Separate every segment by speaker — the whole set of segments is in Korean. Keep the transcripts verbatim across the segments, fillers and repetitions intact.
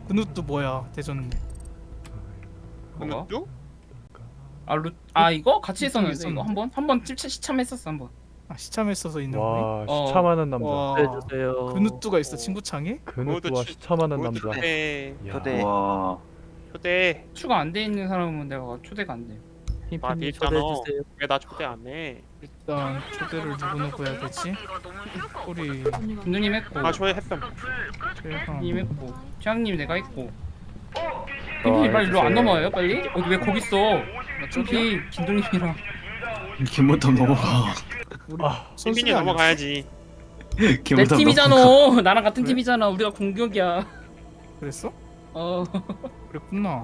Speaker 1: 그누또 뭐야 대전님?
Speaker 2: 뭐가?
Speaker 3: 그누뚜?
Speaker 2: 아, 루... 아 이거 같이
Speaker 1: 이쪽에
Speaker 2: 했었는데 이거
Speaker 1: 있었는데?
Speaker 2: 한번 한번 시참했었어 한번.
Speaker 1: 아 시참했어서 있는 거니?
Speaker 4: 와
Speaker 2: 어.
Speaker 4: 시참하는 남자.
Speaker 1: 와
Speaker 5: 해주세요.
Speaker 1: 그누뚜가 있어 친구창에?
Speaker 4: 그누뚜와 시참하는 남자.
Speaker 3: 초대.
Speaker 4: 야.
Speaker 5: 초대.
Speaker 6: 와.
Speaker 3: 초대.
Speaker 2: 추가 안 돼 있는 사람은 내가 초대가 안 돼.
Speaker 3: 아,
Speaker 5: 흰핀님
Speaker 3: 있잖아.
Speaker 5: 초대해주세요.
Speaker 3: 왜 나 초대 안 해?
Speaker 1: 일단 초대를 누구 누구 해야 되지? 우리
Speaker 2: 김누님 했고,
Speaker 3: 아 초대했음.
Speaker 1: 최강
Speaker 2: 님 했고, 최양님 내가 했고.
Speaker 5: 어,
Speaker 2: 김필 빨리 일로 안
Speaker 5: 해주세요.
Speaker 2: 넘어와요 빨리? 어, 왜 거기 있어? 김필 김동님이랑
Speaker 6: 김문탑 넘어가.
Speaker 1: 우리
Speaker 4: 아,
Speaker 1: 선수이
Speaker 3: 빈빈이 넘어가야지.
Speaker 2: 내
Speaker 6: 김문탑
Speaker 2: 팀이잖아. 나랑 같은
Speaker 1: 그래?
Speaker 2: 팀이잖아. 우리가 공격이야.
Speaker 1: 그랬어?
Speaker 2: 어.
Speaker 1: 그랬구나.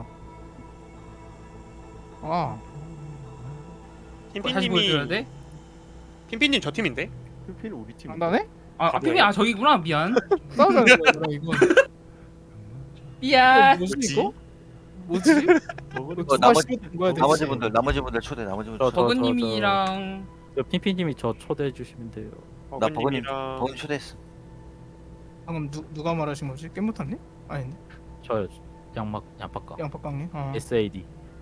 Speaker 1: 아
Speaker 2: 다시 보여줘야
Speaker 3: 핀핀님이
Speaker 2: 돼?
Speaker 3: 핀핀님 저 팀인데?
Speaker 5: 흰핀 우리 팀.
Speaker 1: 장난해?
Speaker 2: 아, 아
Speaker 3: 그래?
Speaker 2: 팀이 아 저기구나. 미안.
Speaker 1: 싸우자는 거야 그럼 이건.
Speaker 2: 미안.
Speaker 1: 뭐지
Speaker 3: 뭐지?
Speaker 1: 이거? 뭐지?
Speaker 5: 먹으러
Speaker 1: 이거
Speaker 6: 어,
Speaker 1: 누가
Speaker 6: 나머지-
Speaker 1: 시켰던 거야 대체?
Speaker 6: 나머지 분들 나머지 분들 초대 나머지 분들
Speaker 5: 저,
Speaker 6: 초대.
Speaker 5: 저,
Speaker 2: 버그님이랑
Speaker 5: 저 핀핀님이 저 초대해 주시면 돼요.
Speaker 6: 나 버거님
Speaker 3: 버그님이랑
Speaker 6: 버거님 초대했어.
Speaker 1: 방금 누, 누가 말하신 거지? 깨무탄님? 아닌데?
Speaker 5: 저 양막 양파까.
Speaker 1: 양파깡님? 아
Speaker 5: 에스에이디.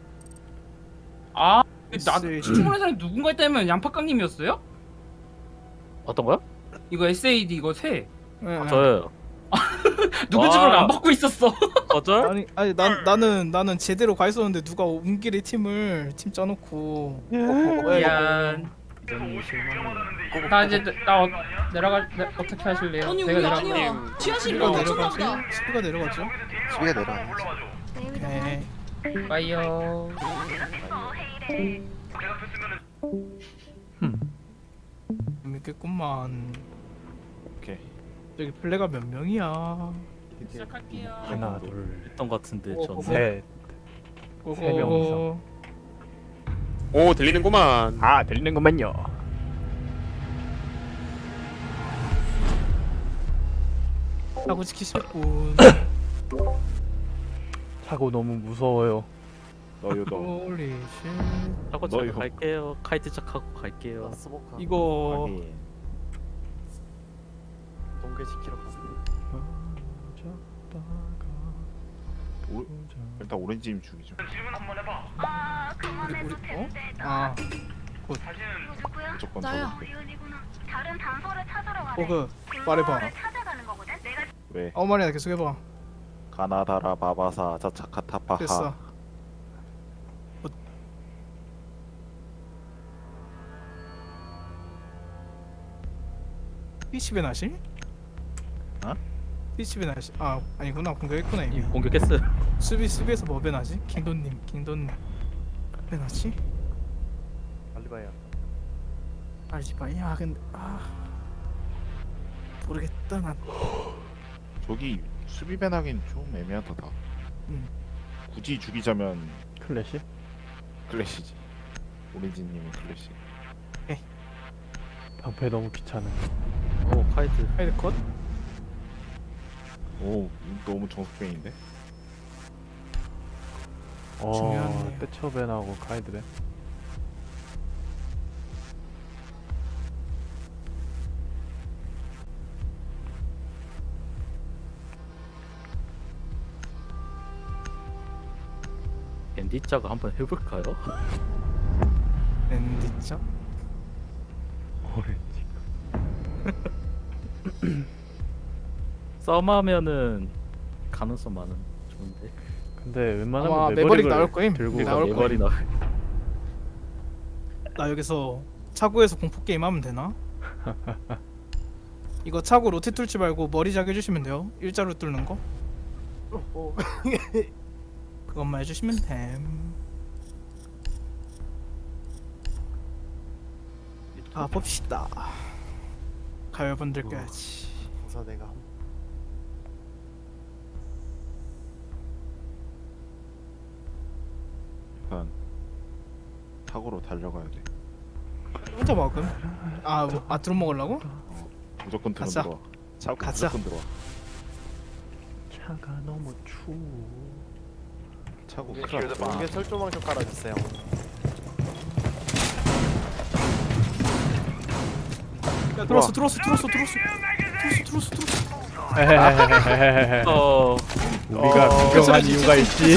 Speaker 2: 아, 나
Speaker 1: 에스에이.
Speaker 2: 시청하는 사람이 누군가 했다면 양파깡님이었어요?
Speaker 5: 어떤 거요?
Speaker 2: 이거 에스에이디 이거 새
Speaker 1: 네, 네.
Speaker 5: 저요.
Speaker 2: 누군지
Speaker 5: 와.
Speaker 2: 모르고 안 받고 있었어.
Speaker 5: 거절?
Speaker 1: 아니 아니 난 나는 나는 제대로 가 있었는데 누가 온 길에 팀을 팀 짜놓고
Speaker 2: 미안.
Speaker 5: 너무 실망이에요.
Speaker 2: 나 이제 나 어, 내려가 내, 어떻게 하실래요?
Speaker 7: 아니
Speaker 2: 제가
Speaker 7: 우리
Speaker 2: 내려가.
Speaker 7: 아니야. 지하실이
Speaker 1: 수비가
Speaker 7: 너무
Speaker 1: 내려가죠?
Speaker 7: 엄청나다.
Speaker 1: 수비가 내려가죠?
Speaker 6: 수비가 내려가야지.
Speaker 1: 네.
Speaker 2: 빠이요.
Speaker 5: 흠.
Speaker 1: 재밌겠구만.
Speaker 4: 오케이.
Speaker 1: 저기 플레가 몇 명이야?
Speaker 2: 시작할게요.
Speaker 4: 하나 둘
Speaker 5: 했던 것 같은데
Speaker 1: 어,
Speaker 5: 전.
Speaker 1: 어,
Speaker 4: 셋.
Speaker 1: 고고.
Speaker 4: 세 명 이상.
Speaker 3: 오 들리는구만.
Speaker 4: 아 들리는구만요.
Speaker 1: 하고 지키셨군.
Speaker 4: 차고 너무 무서워요. 너요 너.
Speaker 1: 홀리 쉣.
Speaker 5: 하고
Speaker 4: 너요.
Speaker 5: 저 갈게요. 카이트 착하고 갈게요.
Speaker 1: 이거
Speaker 5: 동계시키러 가.
Speaker 4: 오, 일단 오렌지님 죽이죠.
Speaker 1: 우리 우리 어? 아
Speaker 4: 무조건
Speaker 7: 나야.
Speaker 4: 저거.
Speaker 8: 다른 단서를 찾으러 가래.
Speaker 1: 버그 말해봐.
Speaker 8: 찾아가는 거거든. 내가
Speaker 4: 왜?
Speaker 1: 아무 말이나 계속 해봐.
Speaker 4: 가나다라 바바사 자차카타파하.
Speaker 1: 됐어. 피치베 나시?
Speaker 4: 어?
Speaker 1: 피치베 나시? 아 아니구나 공격했구나 이미.
Speaker 5: 공격했어요.
Speaker 1: 수비 수비에서 뭐 배나지? 킹돈님 킹돈님 배나지?
Speaker 5: 빨리 봐요.
Speaker 1: 알지바야 근데 아 모르겠다 난.
Speaker 9: 저기 수비 배나긴 좀 애매하다.
Speaker 1: 음.
Speaker 9: 굳이 죽이자면
Speaker 4: 클래시?
Speaker 9: 클래시지. 오렌지님은 클래시.
Speaker 4: 방패 너무 귀찮아.
Speaker 5: 오 카이트.
Speaker 1: 하이드 컷?
Speaker 9: 오 너무 정석병인데.
Speaker 4: 어,
Speaker 1: 중요하네요.
Speaker 4: 떼처벤하고 카이드벤.
Speaker 5: 앤디자가 한번 해볼까요?
Speaker 1: 랜디죠?
Speaker 4: 오렌지.
Speaker 5: 썸하면은 가능성 많은 좋은데.
Speaker 4: 근데 웬만하면
Speaker 1: 아마
Speaker 4: 매버릭을
Speaker 1: 매버릭 나올 거임.
Speaker 4: 들고
Speaker 1: 네,
Speaker 4: 가.
Speaker 1: 나올
Speaker 5: 네발이 나.
Speaker 1: 나 여기서 차고에서 공포 게임 하면 되나? 이거 차고 로테 뚫지 말고 머리 자게 해주시면 돼요. 일자로 뚫는 거. 그것만 해주시면 됨. 아 봅시다. 가열분들 껴야지.
Speaker 9: 일단 타고로 달려가야 돼.
Speaker 1: 혼자 먹음. 아, 뭐, 아 드론 먹으려고?
Speaker 9: 무조건 들어
Speaker 1: 가자.
Speaker 9: 들어와. 차고
Speaker 1: 가자.
Speaker 9: 무조건 들어와.
Speaker 4: 차가 너무 추워.
Speaker 9: 차고 큰일 났다.
Speaker 10: 이게 철조망 좀 깔아주세요.
Speaker 1: 야 들어왔어, 들어왔어, 들어왔어, 들어왔어, 들어왔어, 들어왔어, 들어왔어.
Speaker 4: 헤헤헤헤헤헤.
Speaker 5: 어.
Speaker 4: 우리가
Speaker 5: 어.
Speaker 4: 구경한 이유가 있지.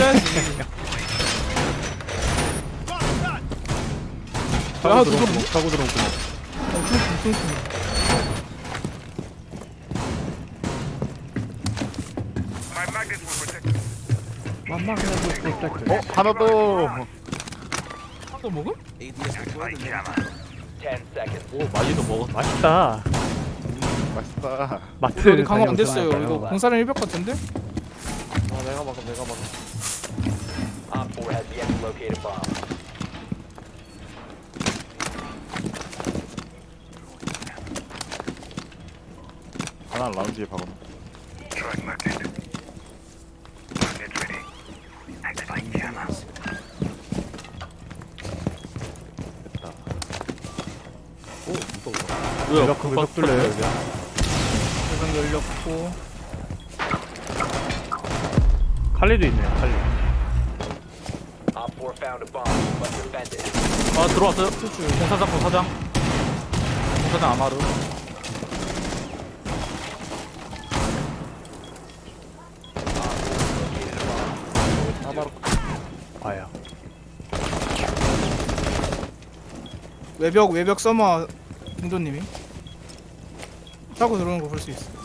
Speaker 1: 야,
Speaker 4: 타고
Speaker 1: 누구
Speaker 4: 들어온
Speaker 1: 뭐?
Speaker 4: 구멍, 타고 들어온 구멍.
Speaker 9: 어 하나 더.
Speaker 1: 또 먹음?
Speaker 5: 오 마지도 먹었.
Speaker 4: 맛있다.
Speaker 9: 맛있다.
Speaker 4: 마트
Speaker 1: 우리 강화 안 됐어요.
Speaker 4: 다녀오셨나요?
Speaker 1: 이거 공사랑 일벽 같은데?
Speaker 2: 아 내가 막아 내가 막아.
Speaker 9: 하나 라운지에 박아. 됐다.
Speaker 5: 오 무서워.
Speaker 4: 내가
Speaker 5: 뭐야?
Speaker 4: 그 외벽 뚫려요 여기.
Speaker 1: 일벽 열렸고.
Speaker 4: 칼리도 있네요 칼리.
Speaker 5: 아 들어왔어요. 공사장 공사장. 공사장 아마루.
Speaker 4: 아야.
Speaker 1: 외벽 외벽 서머 김도님이 타고 들어오는 거 볼 수 있어.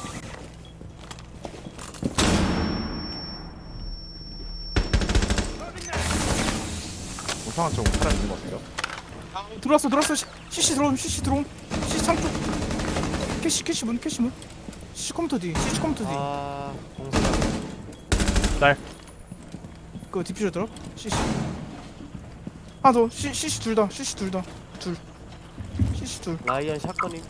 Speaker 9: 우상한 쪽 사람 있는 거 같아요.
Speaker 1: 들어왔어 들어왔어. 시- 씨씨 들어옴 씨씨 들어옴. 씨씨 창쪽. 캐시 캐시 문 캐시 문. 씨씨 컴퓨터 뒤 씨씨 컴퓨터 뒤.
Speaker 2: 아
Speaker 4: 날.
Speaker 1: 그 디퓨저 들어. 씨씨. 하나 더. 씨 씨씨 둘 다. 씨씨 둘 다. 둘. 씨씨 둘.
Speaker 2: 라이언 샷건이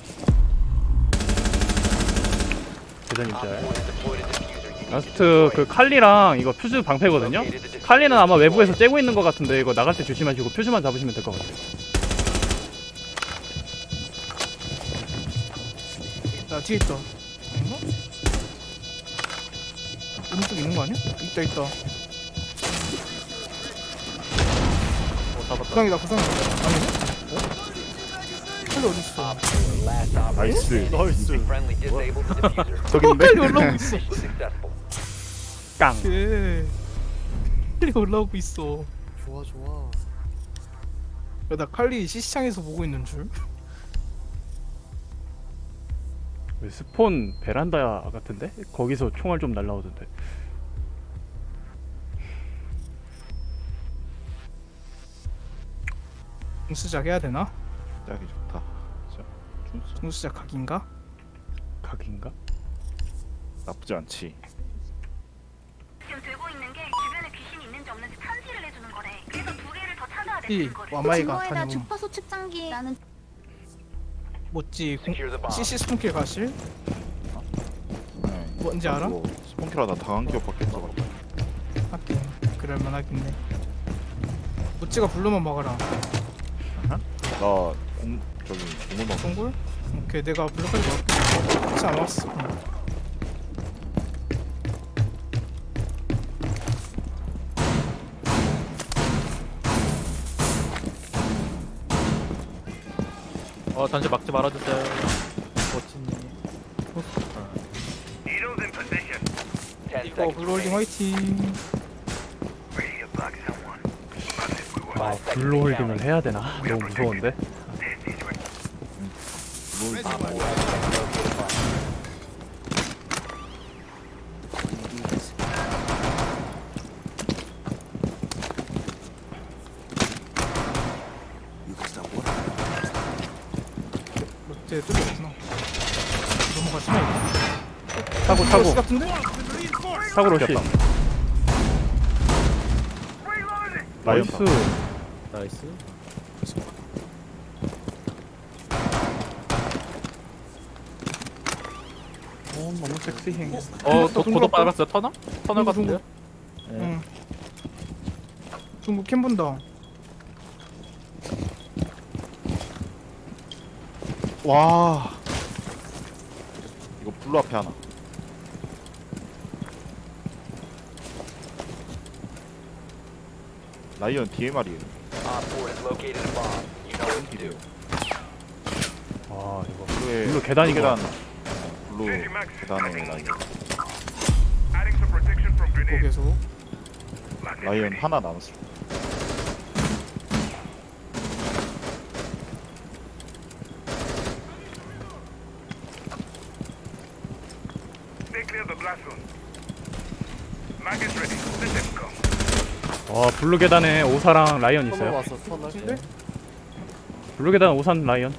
Speaker 4: 대전 입자야. 라스트 그 칼리랑 이거 퓨즈 방패거든요. 칼리는 아마 외부에서 째고 있는 것 같은데 이거 나갈 때 조심하시고 퓨즈만 잡으시면 될 것 같아요.
Speaker 1: 야 뒤에 있다. 아닌가? 오른쪽에 있는 거 아니야? 있다 있다.
Speaker 5: 오 잡았다.
Speaker 1: 구상이다 구상이다. 아니네? 어? 칼리 어딨어?
Speaker 9: 나이스.
Speaker 2: 나이스.
Speaker 9: 저기
Speaker 1: 어,
Speaker 9: 있는데.
Speaker 1: 칼리 올라오고 있어.
Speaker 4: 깡.
Speaker 1: 예. 칼리 올라오고 있어.
Speaker 2: 좋아 좋아.
Speaker 1: 야, 나 칼리 시시창에서 보고 있는 줄.
Speaker 4: 왜 스폰 베란다 같은데? 거기서 총알 좀 날라오던데.
Speaker 1: 중수작 해야 되나?
Speaker 9: 짝이 좋다. 진짜 준수
Speaker 1: 중수작 각인가?
Speaker 4: 각인가?
Speaker 9: 나쁘지 않지.
Speaker 8: 지금 들고 있는 게 주변에 귀신이 있는지 없는지 탐지를 해주는 거래. 그래서 두 개를 더 찾아야
Speaker 1: 이
Speaker 8: 되는 거래.
Speaker 1: 와마이가
Speaker 7: 증거에다
Speaker 1: 다녀봄.
Speaker 7: 주파수 측정기 나는
Speaker 1: 못지 씨씨 스폰킬 가실?
Speaker 9: 네.
Speaker 1: 뭔지 알아?
Speaker 9: 스폰키라 나 당한 기억밖에 없어.
Speaker 1: 하긴 그럴만 하겠네. 모찌가 블루만 막아라.
Speaker 9: 나 공, 저기 공을 넣어.
Speaker 1: 동굴? 오케이 내가 블루까지 막을게. 같이 안 왔어. 응.
Speaker 5: 어 단지 막지 말아주세요. 멋지니.
Speaker 1: 이거 블루홀딩 화이팅.
Speaker 4: 아 블루 홀딩을 해야 되나? 너무 무서운데.
Speaker 1: 롯데 뚫렸구나. 넘어가시나 이거?
Speaker 4: 타고
Speaker 1: 씨
Speaker 4: 타고
Speaker 1: 같은데?
Speaker 4: 타고 로시.
Speaker 9: 라이언
Speaker 4: 나이스.
Speaker 5: 나이스.
Speaker 1: 어 너무 섹시해.
Speaker 5: 어
Speaker 1: 또
Speaker 5: 도,
Speaker 1: 동굴
Speaker 5: 도도
Speaker 1: 없다.
Speaker 5: 빨았어요. 터널? 터널
Speaker 1: 동굴,
Speaker 5: 같은데요?
Speaker 1: 응. 중국 캠 본다.
Speaker 9: 와. 이거 블루 앞에 하나. 라이언 디엠알이에요.
Speaker 4: 와 이거
Speaker 9: 블루에
Speaker 4: 블루 계단인 것
Speaker 9: 계단.
Speaker 4: 같아.
Speaker 9: 블루 블루 계단에 라이언.
Speaker 1: 또 계속.
Speaker 9: 라이언 하나 남았어.
Speaker 4: 와 블루 계단에 오사랑 라이언 있어요.
Speaker 1: 근데
Speaker 4: 블루 계단 오산 라이언.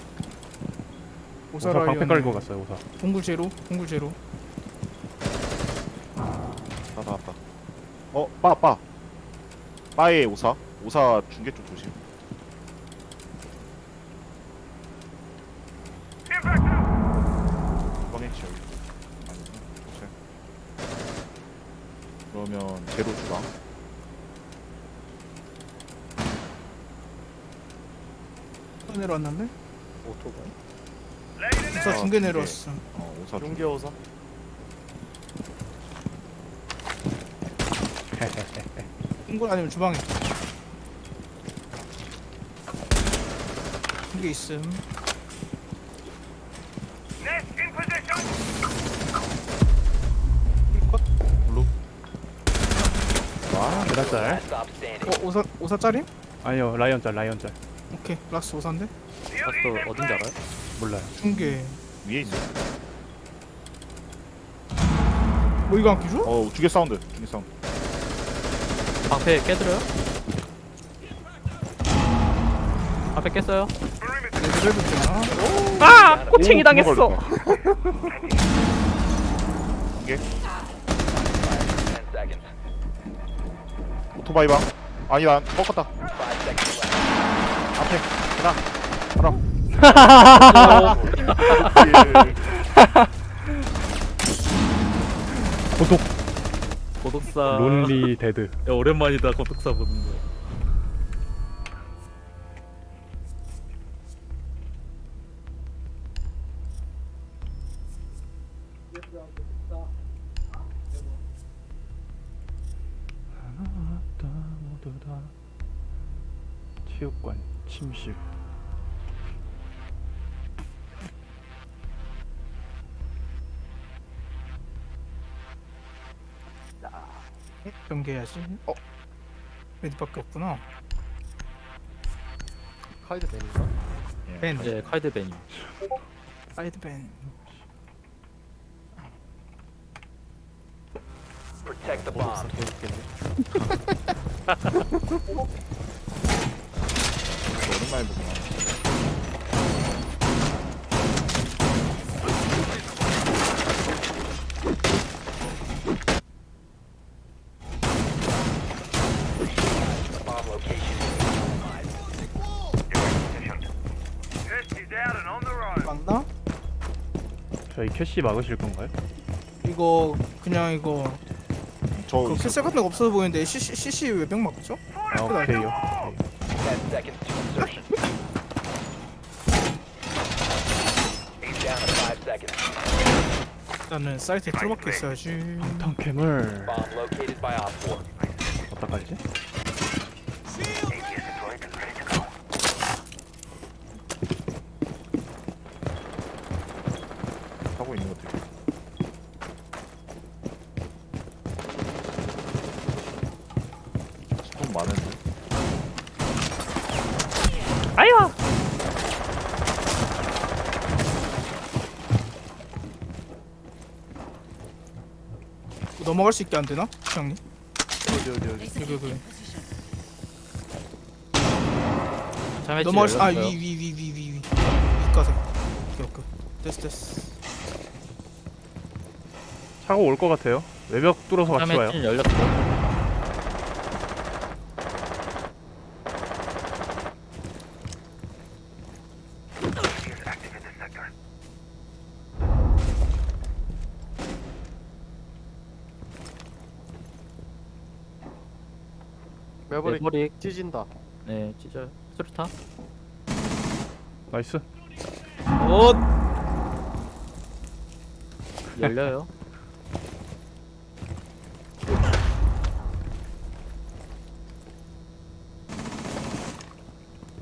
Speaker 4: 오사 방패
Speaker 1: 오사라이언.
Speaker 4: 깔고 갔어요 오사.
Speaker 1: 동굴 제로. 동굴 제로.
Speaker 9: 다 나왔다. 어, 빠, 빠. 빠의 오사. 오사 중계 쪽 조심. 꺼냈지 여기. 아니구나. 오케이. 그러면 제로 주방.
Speaker 1: 또 내려왔는데?
Speaker 5: 오토바이.
Speaker 1: 오사
Speaker 9: 어,
Speaker 1: 중계
Speaker 9: 중계.
Speaker 1: 내려왔어.
Speaker 9: 어, 오사 중계.
Speaker 5: 중계 오사.
Speaker 1: 동굴 아니면 주방에. 중계 있음.
Speaker 9: 와,
Speaker 4: 계단짤.
Speaker 1: 어 오사 오사 짜림?
Speaker 4: 아니요 라이언 짤 라이언 짤.
Speaker 1: 오케이 락스 오사인데?
Speaker 5: 라스트 어딘지 알아요?
Speaker 4: 몰라요.
Speaker 1: 중계.
Speaker 9: 위에 있어.
Speaker 1: 뭐 이거 안 끼줘?
Speaker 9: 어, 중계 사운드. 중계 사운드.
Speaker 5: 방패 깨드려요? 방패 깼어요?
Speaker 1: 레벨 붙잖아.
Speaker 4: 아 꼬챙이
Speaker 9: 오,
Speaker 4: 당했어.
Speaker 9: 중계 걸렸다. 중계. 오토바이 방. 아니, 난 꺾었다. 앞에. 하나. 하나.
Speaker 4: 고독
Speaker 5: 고독사.
Speaker 4: 론리 데드.
Speaker 5: 야, 오랜만이다 고독사 보는 거.
Speaker 4: 모두 다 체육관 침실.
Speaker 1: 경계해야지. 어? 메디밖에 없구나.
Speaker 5: 카이드 벤인가?
Speaker 1: 벤.
Speaker 5: 네, 카이드 벤이.
Speaker 1: 사이드 벤.
Speaker 5: 고독사 개웃기네.
Speaker 9: 오랜만에 보구나.
Speaker 1: 맞나?
Speaker 4: 저희 캐시 막으실 건가요?
Speaker 1: 이거 그냥 이거
Speaker 9: 저
Speaker 1: 그
Speaker 9: 있어.
Speaker 1: 필살 같은 거 없어 보이는데 씨씨 씨씨 외병 맞죠?
Speaker 4: 아 오케이요.
Speaker 1: 나는 사이트에 틀어박혀 있어야지.
Speaker 4: 탕캠을 어디다 깔지?
Speaker 9: 하고 있는 것들. 좀 많은데.
Speaker 4: 아이와.
Speaker 1: 넘어갈 수 있게 안 되나? 형님?
Speaker 5: 어디 어디 어디.
Speaker 1: 여기 여기.
Speaker 5: 자매치
Speaker 1: 넘어갈 수.
Speaker 5: 열렸어요.
Speaker 1: 아위 위 위 위 위 위 위까지. 오케이 오케이. 됐어 됐어.
Speaker 4: 차고 올 것 같아요. 외벽 뚫어서 같이 와요.
Speaker 5: 자매치 열렸고.
Speaker 7: 매버릭
Speaker 5: 매버릭.
Speaker 7: 찢진다.
Speaker 5: 네, 찢어요. 수류탄.
Speaker 4: 나이스.
Speaker 5: 옷. 열려요.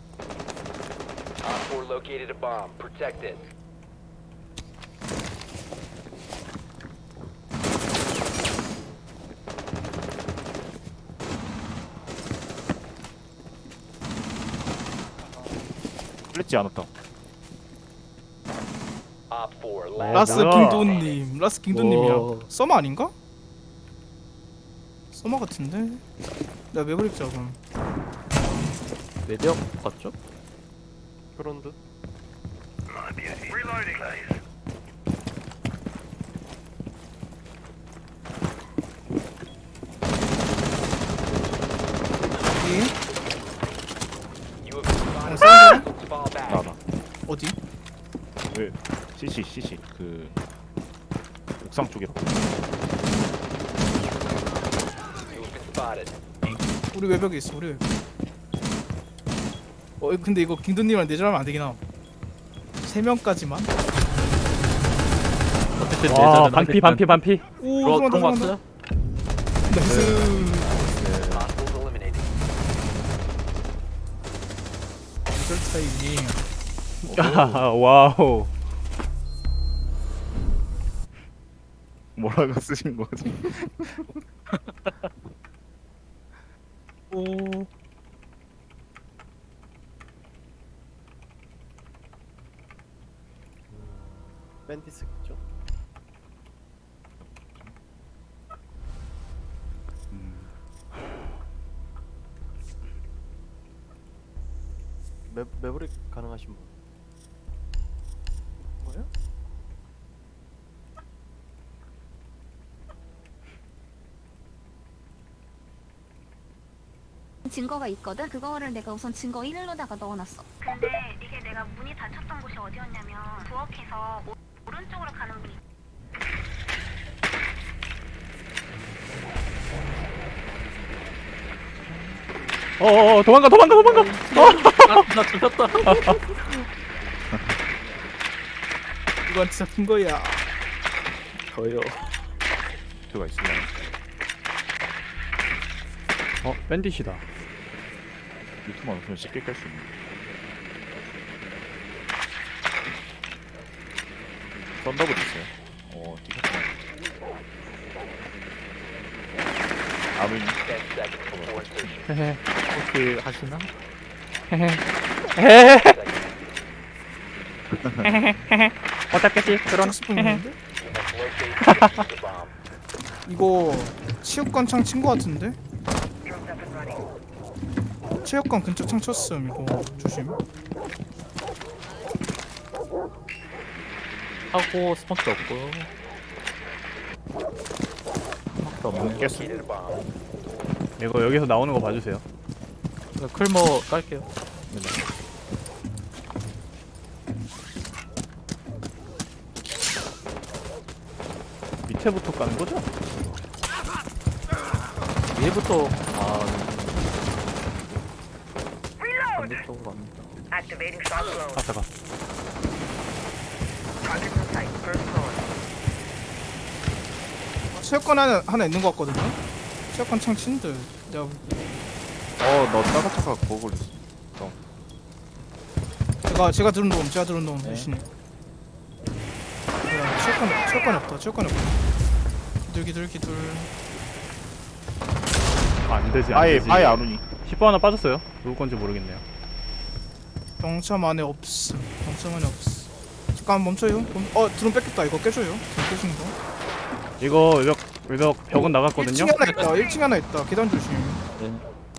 Speaker 10: Op four located a bomb. Protect it.
Speaker 9: 플래치 안 왔다.
Speaker 1: 라스
Speaker 4: 뭐야.
Speaker 1: 킹돈님, 라스 킹돈님이야.
Speaker 5: 오.
Speaker 1: 서머 아닌가? 서머 같은데? 나 매브릭 잡음.
Speaker 5: 매력 봤죠?
Speaker 7: 그런 듯.
Speaker 1: 어디? 어, 사운드?
Speaker 9: 나나.
Speaker 1: 어디?
Speaker 9: 왜? 씨씨 씨씨 그 옥상 쪽에.
Speaker 1: 우리 외벽에 있어. 우리 외벽. 어 근데 이거 킹돈님이랑 내절하면 안 되긴 함. 세 명까지만.
Speaker 5: 어쨌든
Speaker 4: 와
Speaker 5: 내전은
Speaker 4: 반피
Speaker 5: 하겠다.
Speaker 4: 반피 반피.
Speaker 1: 오
Speaker 5: 들어
Speaker 1: 들어간다
Speaker 5: 들어온 거
Speaker 1: 들어간다.
Speaker 5: 같아요?
Speaker 1: 나이스. 내절 타이밍.
Speaker 4: 아, 와우.
Speaker 9: 뭐라고 쓰신 거지?
Speaker 1: 오.
Speaker 7: 밴디스 있죠? 매 매브릭 가능하신 분?
Speaker 1: 뭐야?
Speaker 8: 증거가 있거든. 그거를 내가 우선 증거 일로다가 넣어놨어. 근데 이게 내가 문이 닫혔던 곳이 어디였냐면 부엌에서 오, 오른쪽으로 가는 문이.
Speaker 4: 어어 도망가 도망가 도망가.
Speaker 5: 아, 나 죽였다.
Speaker 1: 이건 진짜 큰 거야.
Speaker 5: 저요.
Speaker 9: 들어가 있으면.
Speaker 4: 어 밴딧이다.
Speaker 9: 유튜브만 없으면 쉽게 깔 수 있는. 썬더블 있어요. 어, 뒤졌구나. 아무리
Speaker 4: 헤헤
Speaker 5: 혹시 하시나?
Speaker 4: 헤헤 헤헤. 헤헤헤헤. 어떻겠지 그런.
Speaker 1: 칠십 분 있는데? 이거 체육관 창 친 거 같은데? 체육관 근처 창 쳤음. 이거 조심.
Speaker 5: 하고 스폰도 없고요. 스폰도 없네.
Speaker 9: 깼어.
Speaker 4: 이거 여기서 나오는 거 봐주세요.
Speaker 5: 클모 깔게요.
Speaker 4: 밑에부터 까는 거죠?
Speaker 5: 위에부터 아 반대쪽으로 갑니다.
Speaker 4: 아 잠깐.
Speaker 1: 체육관 하나, 하나 있는 거 같거든요? 체육관 창 친 듯. 내가
Speaker 9: 어, 너 따가차가 그거 걸렸어.
Speaker 1: 제가 제가 들은 놈, 제가 들은 놈
Speaker 5: 네.
Speaker 1: 대신에. 뭐야, 체육관 체육관 없다, 체육관 없다. 기둘 기둘 기둘.
Speaker 4: 아, 안 되지 안
Speaker 9: 아예
Speaker 4: 되지.
Speaker 9: 아예 안 오니.
Speaker 4: 십 번 하나 빠졌어요. 누구 건지 모르겠네요.
Speaker 1: 병참 안에 없음. 병참 안에 없음. 잠깐 멈춰요. 멈- 어 드론 뺏겼다. 이거 깨줘요. 드론 깨진 거.
Speaker 4: 이거 외벽 외벽 벽은 나갔거든요.
Speaker 1: 일 층에 하나 있다. 일 층에 하나 있다. 계단 조심.
Speaker 5: 네.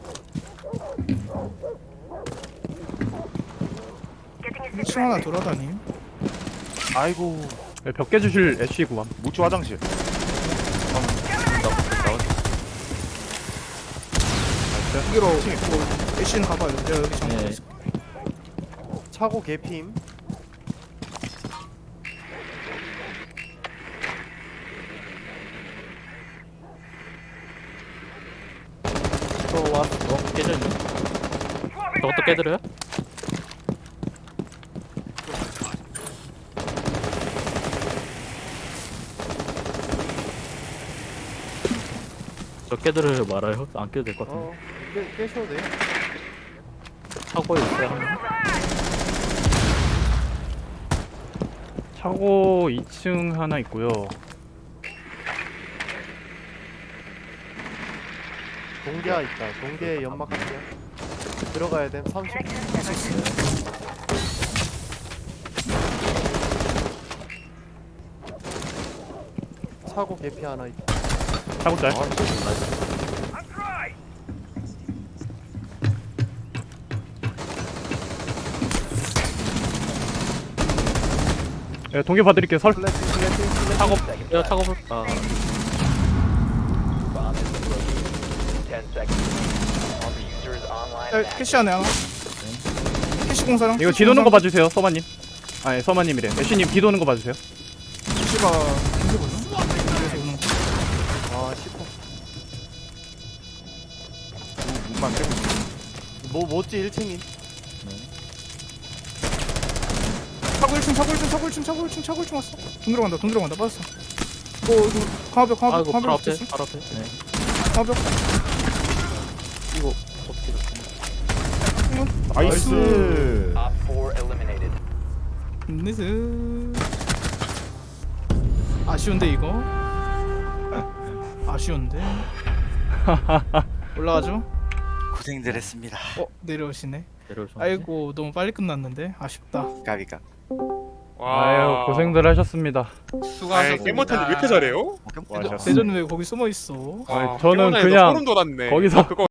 Speaker 1: 일 층 하나 돌아다님.
Speaker 9: 아이고.
Speaker 4: 네, 벽 깨주실 애쉬 구함.
Speaker 9: 무추 화장실.
Speaker 1: 여기로 뭐 애쉬는 가봐요. 내가 여기 잠깐
Speaker 5: 네.
Speaker 1: 있어.
Speaker 7: 차고 개피임.
Speaker 5: 또 왔어. 어, 깨져있네. 저것도 깨드려요? 저 깨드려요 말아요? 안 깨도 될 것 같은데.
Speaker 7: 어, 깨 깨셔도 돼.
Speaker 5: 차고에 있어요 한 명.
Speaker 4: 차고 이 층 하나 있고요.
Speaker 7: 동계아 있다. 동계 연막 할게요. 들어가야 돼. 삼십 분. 차고 개피 하나 있.
Speaker 4: 차고 짤. 예, 동계 봐드릴게요. 설.
Speaker 5: 차고 내가 차고 볼. 아
Speaker 1: 야, 캐시 안에 하나. 캐시 공사랑.
Speaker 4: 이거 뒤 도는 거 봐주세요, 서마님. 아니 서마님이래. 애쉬님 뒤 도는 거 봐주세요.
Speaker 1: 캐시가 언제 보냐? 그래서 오는 거.
Speaker 7: 아 십 호.
Speaker 9: 문만 빼고 있어.
Speaker 7: 뭐 뭐지 일 층임.
Speaker 1: 차고 일 층, 차고 일 층, 차고 일 층, 차고 일 층, 차고 일 층 왔어. 돈 들어간다, 돈 들어간다, 빠졌어. 어, 이거 강화벽, 강화벽,
Speaker 5: 아이고 바로
Speaker 1: 강화벽
Speaker 5: 앞에
Speaker 1: 됐어.
Speaker 5: 바로 앞에. 네.
Speaker 1: 강화벽.
Speaker 5: 이거 어떻게 됐어?
Speaker 9: 나이스.
Speaker 1: 나이스. 아쉬운데 이거. 아쉬운데. 올라가죠.
Speaker 6: 고생들 했습니다.
Speaker 1: 어, 내려오시네.
Speaker 5: 내려오셨네.
Speaker 1: 아이고, 너무 빨리 끝났는데 아쉽다.
Speaker 6: 가비가.
Speaker 4: 아유 고생들 하셨습니다.
Speaker 3: 아이,
Speaker 2: 수고하셨습니다.
Speaker 3: 깨모탄이 왜 이렇게 잘해요?
Speaker 4: 와셨습니다.
Speaker 1: 대전 왜 거기 숨어 있어?
Speaker 3: 와,
Speaker 4: 저는
Speaker 3: 깨모탄에서
Speaker 4: 그냥
Speaker 3: 소름 돋았네.
Speaker 4: 거기서
Speaker 3: 그거